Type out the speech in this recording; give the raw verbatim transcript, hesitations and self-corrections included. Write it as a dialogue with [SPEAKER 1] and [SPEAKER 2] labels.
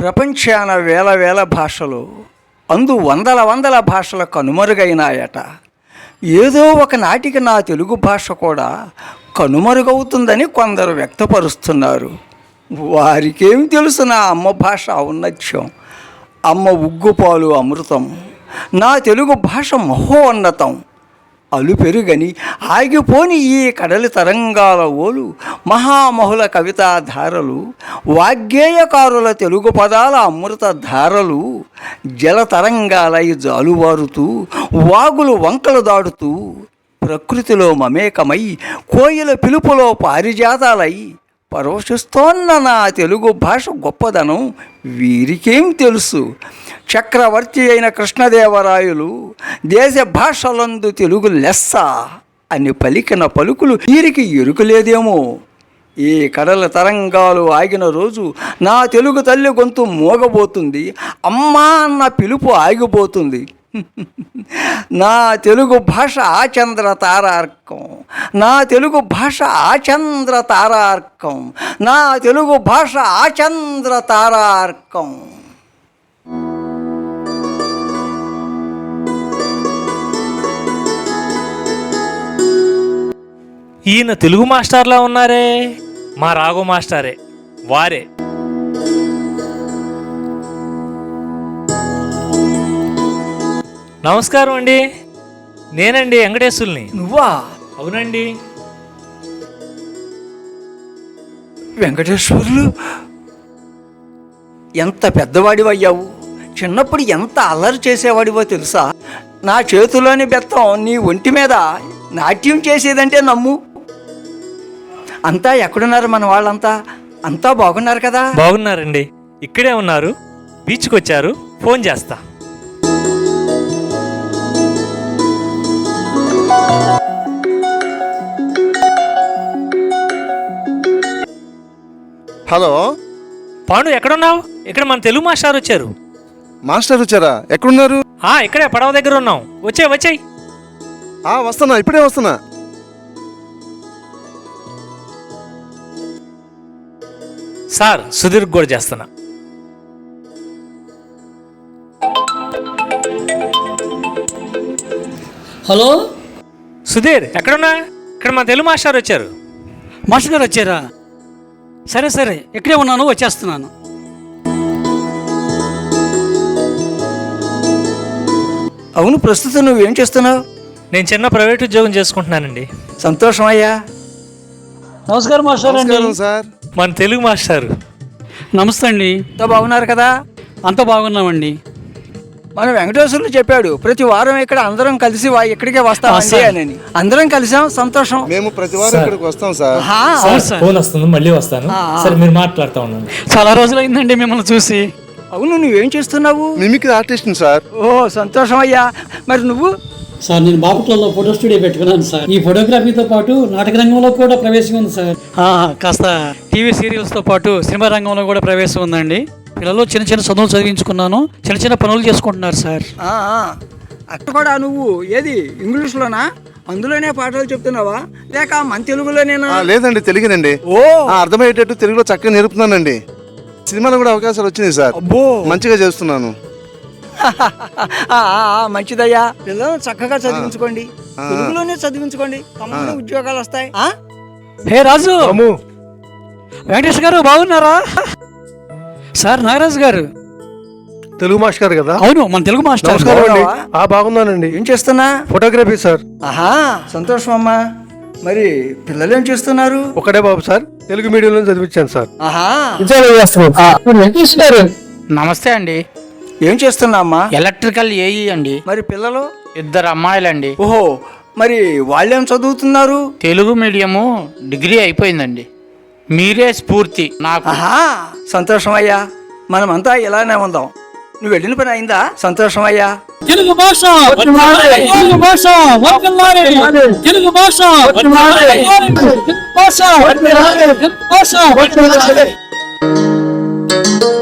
[SPEAKER 1] ప్రపంచాన వేల వేల భాషలు, అందు వందల వందల భాషల కనుమరుగైనాయట. ఏదో ఒక నాటికి నా తెలుగు భాష కూడా కనుమరుగవుతుందని కొందరు వ్యక్తపరుస్తున్నారు. వారికేం తెలుసు నా అమ్మ భాష ఔన్నత్యం, అమ్మ ఉగ్గుపాలు అమృతం. నా తెలుగు భాష మహోన్నతం. అలు పెరుగని ఆగిపోని ఈ కడలి తరంగాల ఓలు, మహామహుల కవితా ధారలు, వాగ్గేయకారుల తెలుగు పదాల అమృత ధారలు, జల తరంగాలై జాలువారుతూ, వాగులు వంకలు దాడుతూ, ప్రకృతిలో మమేకమై, కోయిల పిలుపులో పారిజాతాలై పరోషిస్తోన్న నా తెలుగు భాష గొప్పదనం వీరికేం తెలుసు? చక్రవర్తి అయిన కృష్ణదేవరాయలు దేశ భాషలందు తెలుగు లెస్స అని పలికిన పలుకులు వీరికి ఎరుకలేదేమో. ఈ కడల తరంగాలు ఆగిన రోజు నా తెలుగు తల్లి గొంతు మోగబోతుంది, అమ్మా అన్న పిలుపు ఆగిపోతుంది. నా తెలుగు భాష ఆచంద్ర తారార్కం, నా తెలుగు భాష ఆచంద్ర తారార్కం, నా తెలుగు భాష ఆచంద్ర తారార్కం.
[SPEAKER 2] ఈయన తెలుగు మాస్టర్లా ఉన్నారే, మా రాఘవ మాస్టరే వారే. నమస్కారం అండి, నేనండి వెంకటేశ్వరుని.
[SPEAKER 1] నువ్వా?
[SPEAKER 2] అవునండి.
[SPEAKER 1] వెంకటేశ్వర్లు, ఎంత పెద్దవాడివయ్యావు. చిన్నప్పుడు ఎంత అల్లరి చేసేవాడివో తెలుసా? నా చేతిలోని బెత్తం నీ ఒంటి మీద నాట్యం చేసేదంటే నమ్ము. అంతా ఎక్కడున్నారు మన వాళ్ళంతా? అంతా బాగున్నారు కదా?
[SPEAKER 2] బాగున్నారండి, ఇక్కడే ఉన్నారు. బీచ్కి వచ్చారు, ఫోన్ చేస్తా.
[SPEAKER 3] హలో
[SPEAKER 2] పాండు, ఎక్కడున్నావు? ఇక్కడ మన తెలుగు మాస్టర్ వచ్చారు.
[SPEAKER 3] మాస్టర్ వచ్చారా? ఎక్కడున్నారు?
[SPEAKER 2] ఆ ఇక్కడే పడవ దగ్గర ఉన్నాం. వచ్చాయి వచ్చాయి.
[SPEAKER 3] ఆ వస్తున్నా, ఇప్పుడే వస్తున్నా.
[SPEAKER 2] సార్, సుధీర్ కూడా చేస్తున్నా.
[SPEAKER 4] హలో
[SPEAKER 2] సుధీర్, ఎక్కడున్నా? ఇక్కడ మన తెలుగు మాస్టర్ వచ్చారు.
[SPEAKER 4] మాస్టర్ గారు వచ్చారా? సరే సరే, ఇక్కడే ఉన్నాను, వచ్చేస్తున్నాను.
[SPEAKER 1] అవును, ప్రస్తుతం నువ్వేం చేస్తున్నావు?
[SPEAKER 2] నేను చిన్న ప్రైవేట్ ఉద్యోగం చేసుకుంటున్నానండి.
[SPEAKER 1] సంతోషం అయ్యా.
[SPEAKER 4] నమస్కారం మాస్టర్ అండి.
[SPEAKER 3] నమస్కారం సార్.
[SPEAKER 2] మన తెలుగు మాస్టర్.
[SPEAKER 4] నమస్తే అండి.
[SPEAKER 1] అంతా బాగున్నారు కదా?
[SPEAKER 4] అంత బాగున్నామండి.
[SPEAKER 1] మన వెంకటేశ్వర్లు చెప్పాడు, ప్రతి వారం ఇక్కడ అందరం కలిసి వా- ఇక్కడికే వస్తామండి అని. అందరం కలిసాం, సంతోషం.
[SPEAKER 3] మేము ప్రతి వారం ఇక్కడికి వస్తాం సార్.
[SPEAKER 1] ఆహా,
[SPEAKER 4] అవును సార్.
[SPEAKER 2] ఫోన్ వస్తుంది, మళ్ళీ వస్తాను. సరే, మీరు మాట్లాడుతూ ఉండండి.
[SPEAKER 4] చాలా రోజులైందండి మిమ్మల్ని చూసి.
[SPEAKER 1] అవును, నువ్వేం చేస్తున్నావు?
[SPEAKER 3] Mimicry artist sir.
[SPEAKER 1] ఓ సంతోషం అయ్యా. మరి నువ్వు?
[SPEAKER 4] సార్, నేను బాపట్లలో ఫోటో స్టూడియో పెట్టుకున్నాను సార్. ఈ ఫోటోగ్రఫీతో పాటు నాటక రంగంలో కూడా ప్రవేశం ఉంది సార్. కాస్త టీవీ సీరియల్స్తో పాటు సినిమా రంగంలో కూడా ప్రవేశం ఉందండి. పిల్లలు చిన్న చిన్న చదువులు చదివించుకున్నాను, చిన్న చిన్న పనులు చేసుకుంటున్నారు సార్.
[SPEAKER 1] ఆ, ఆ. అక్కడ కూడా నువ్వు ఏది ఇంగ్లీష్లోనా? అందులోనే పాటలు చెప్తున్నావా లేక మన తెలుగులోనేనా?
[SPEAKER 3] ఆ, లేదండి, తెలుగునండి.
[SPEAKER 1] ఓ
[SPEAKER 3] ఆ, అర్థమయ్యేటట్టు తెలుగులో చక్కగా నేర్పుతున్నానండి. సినిమాలో కూడా అవకాశాలు వచ్చినాయి సార్.
[SPEAKER 1] అబ్బో,
[SPEAKER 3] మంచిగా చేస్తున్నాను.
[SPEAKER 1] ఆ, ఆ, ఆ, మంచిదయ్యా. పిల్లలను చక్కగా చదివించుకోండి, తెలుగులోనే చదివించుకోండి, తమకు ఉద్యోగాలు వస్తాయి. ఆ?
[SPEAKER 4] హే రాజు, వెంకటేష్ గారు బాగున్నారా? సార్, నాగరాజు గారు
[SPEAKER 5] తెలుగు మాస్టర్ గారు కదా?
[SPEAKER 4] అవును, మన తెలుగు మాస్టర్.
[SPEAKER 5] నమస్కారం అండి.
[SPEAKER 1] బాగున్నావా?
[SPEAKER 5] ఆ బాగున్నానండి.
[SPEAKER 1] ఏం చేస్తున్నా?
[SPEAKER 5] Photography sir.
[SPEAKER 1] ఆహా, సంతోషం అమ్మా. మరి పిల్లలు ఏం చేస్తున్నారు?
[SPEAKER 5] ఒకటే బాబు సార్, తెలుగు మీడియంలో చదివించాను సార్.
[SPEAKER 1] ఆహా,
[SPEAKER 4] వెంకటేష్ గారు నమస్తే అండి.
[SPEAKER 1] ఏం చేస్తున్నా అమ్మా?
[SPEAKER 4] ఎలక్ట్రికల్ ఏఈ అండి.
[SPEAKER 1] మరి పిల్లలు?
[SPEAKER 4] ఇద్దరు అమ్మాయిలండి.
[SPEAKER 1] ఓహో, మరి వాళ్ళేం చదువుతున్నారు?
[SPEAKER 4] తెలుగు మీడియము డిగ్రీ అయిపోయిందండి. మీరే స్ఫూర్తి నాకు.
[SPEAKER 1] ఆహా, సంతోషం అయ్యా. మనమంతా ఇలానే ఉందాం. నువ్వు వెళ్ళిన పని అయిందా? సంతోషం అయ్యా.
[SPEAKER 4] తెలుగు భాష తెలుగు భాష వర్ధిల్లాలి. తెలుగు భాష వర్ధిల్లాలి. తెలుగు భాష వర్ధిల్లాలి. తెలుగు భాష వర్ధిల్లాలి.